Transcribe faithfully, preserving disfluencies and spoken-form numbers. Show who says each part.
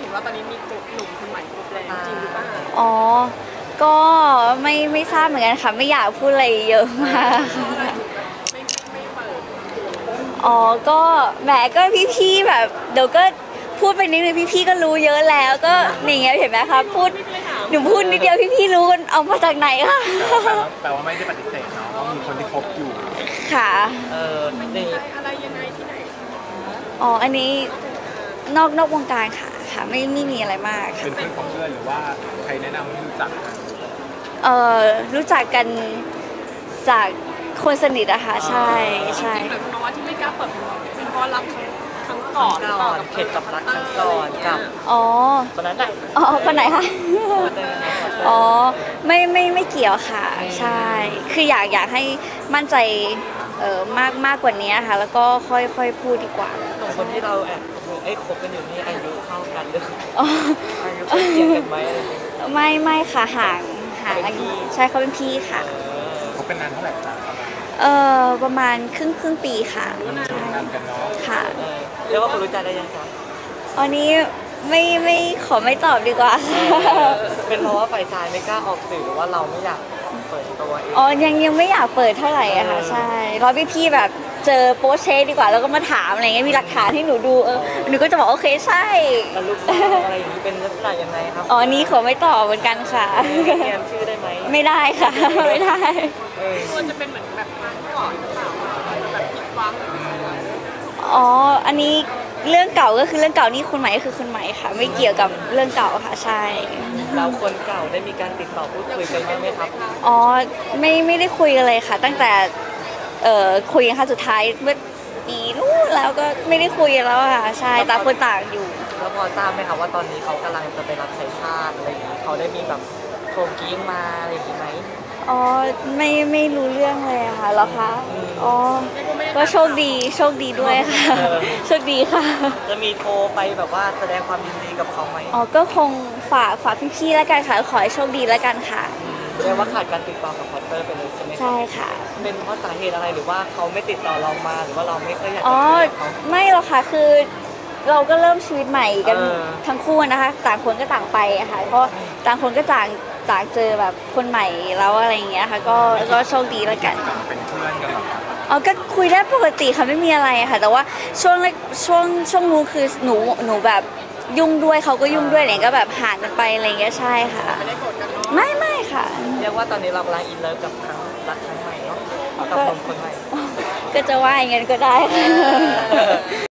Speaker 1: ห็นว่าตอนนี้มีหนุ่มคนใหม่คบแล้วจริงหรือเปล่า
Speaker 2: อ๋อก็ไม่ไม่ทราบเหมือนกันค่ะไม่อยากพูดอะไรเยอะมาก
Speaker 1: ไม่ไม่เปิด
Speaker 2: อ๋อก็แหมก็พี่ๆแบบเดี๋ยวก็พูดไปนิดนึงพี่ๆก็รู้เยอะแล้วก็อย่างเงี้ยเห็นไหมคะพูดหนูพูดนิดเดียวพี่ๆรู้กันเอามาจากไหนคะ
Speaker 3: แปลว่าไม่ได้ปฏิเสธเนาะว่ามีคนที่คบอยู่
Speaker 2: ค่ะ
Speaker 1: เออในอะไรยังไงที่ไหน
Speaker 2: อ๋ออันนี้นอกนอกวงการค่ะค่ะไม่ไม่มีอะไรมากค่ะ
Speaker 3: เป็นเพื่อนของเพื่อนหรือว่าใครแนะนำให้รู้จักกัน
Speaker 2: เอ่อรู้จักกันจากคนสนิทอะค่ะใช่ใช่
Speaker 1: จริงๆหมายความว่าที่ไม่กล้าเปิดเป็นเพราะรักครั้งก่อนก่อน
Speaker 4: เข็ดกับรักครั้งก่อนกับ
Speaker 2: อ๋อ
Speaker 4: คนนั้นแหละ
Speaker 2: อ๋อคนไหนคะอ๋อไม่ไม่ไม่เกี่ยวค่ะใช่คืออยากอยากให้มั่นใจเอ่อมากมากกว่านี้ค่ะแล้วก็ค่อยค่อยพูดดีกว่า
Speaker 4: สองคนที่เราแอบไอ้คบกันอยู่นี่อายุเท่ากันหรืออายุเทียบกันไหม
Speaker 2: ไม่ไม่ค่ะห่างห่างอายุใช่เขาเป็นพี่ค่ะ
Speaker 3: คบกันนานเท่าไหร่ครับ
Speaker 2: เออประมาณครึ่งครึ่งปีค่ะ
Speaker 3: นานกันเนาะ
Speaker 2: ค่ะ
Speaker 4: เรียกว่าคนรู้ใจได้ยังคะ
Speaker 2: อันนี้ไม่ไม่ขอไม่ตอบดีกว่า
Speaker 4: เป็นเพราะว่าฝ่ายชายไม่กล้าออกสื่อหรือว่าเราไม่อยากเปิดตัวเอง
Speaker 2: อ๋อยังยังไม่อยากเปิดเท่าไหร่อะค่ะใช่รอพี่พี่แบบเจอโพสเชสดีกว่าแล้วก็มาถามอะไรเงี้ยมีหลักฐานให้หนูดูเออหนูก็จะบอกโอเคใช่
Speaker 4: แล้วลูกอะไรอย่างนี้เป็นลักษณะยังไงครับ
Speaker 2: อ๋อนี้ขอไม่ตอบเหมือนกันค่ะ
Speaker 4: เรียนชื่อได้ไหม
Speaker 2: ไม่ได้ค่ะไม่ได้
Speaker 1: ควรจะเป็นเหมือนแบบครั้งก่อนหรือเปล่าแบบผิดหวัง
Speaker 2: อ๋ออันนี้เรื่องเก่าก็คือเรื่องเก่านี่คนใหม่ก็คือคนใหม่ค่ะไม่เกี่ยวกับเรื่องเก่าค่ะใช่
Speaker 4: แล้วคนเก่าได้มีการติดต่อพูดคุยกันบ้างไหมครับ
Speaker 2: อ๋อไม่ไม่ได้คุยกันเลยค่ะตั้งแต่เอ่อคุยกันครั้งสุดท้ายเมื่อปีนู้นแล้วก็ไม่ได้คุยกันแล้วค่ะใช่ต่างคนต่างอยู่
Speaker 4: แล้วพอทราบไหมครับว่าตอนนี้เขากำลังจะไปรับใช้ชาติอะไรอย่างนี้เขาได้มีแบบโทรกิ้งมาอะไรอย่างนี้ไหม
Speaker 2: อ๋อไม่ไม่รู้เรื่องเลยค่ะเหรอคะอ๋อก็โชคดีโชคดีด้วยค่ะโชคดีค่ะ
Speaker 4: จะมีโทรไปแบบว่าแสดงความยินดีกับเขาไหม
Speaker 2: อ๋อก็คงฝากฝากพี่ๆแล้วกันค่ะขอให้โชคดีแล้วกันค่ะ
Speaker 4: เรียกว่าขาดการติดต่อกับพอตเตอร์ไปเลยใช่ไหม
Speaker 2: ใช่ค่ะ
Speaker 4: เป็นเพราะสาเหตุอะไรหรือว่าเขาไม่ติดต่อเรามาหรือว่าเราไม่ค่อยอยากจะ
Speaker 2: อ๋อไม่หรอกค่ะคือเราก็เริ่มชีวิตใหม่กันทั้งคู่นะคะต่างคนก็ต่างไปอะค่ะเพราะต่างคนก็ต่างต่างเจอแบบคนใหม่แล้วอะไรอย่างเงี้ยค่ะก็ก็โชคดีแล้วกัน
Speaker 3: เป็นเพื่อนกันหรอ
Speaker 2: อ๋อก็คุยได้ปกติค่ะไม่มีอะไรค่ะแต่ว่าช่วงช่วงช่วงนู้นคือหนูหนูแบบยุ่งด้วยเขาก็ยุ่งด้วยอะไรก็แบบห่างกันไปอะไรอย่างเงี้ยใช่ค่ะไม่ไม่ค่ะ
Speaker 4: เรียกว่าตอนนี้เรากำลังอินเลิฟกับครั้งรักครั้งใหม่เนาะกับคนคนใหม่
Speaker 2: ก็จะว่าอย่างนั้นก็ได้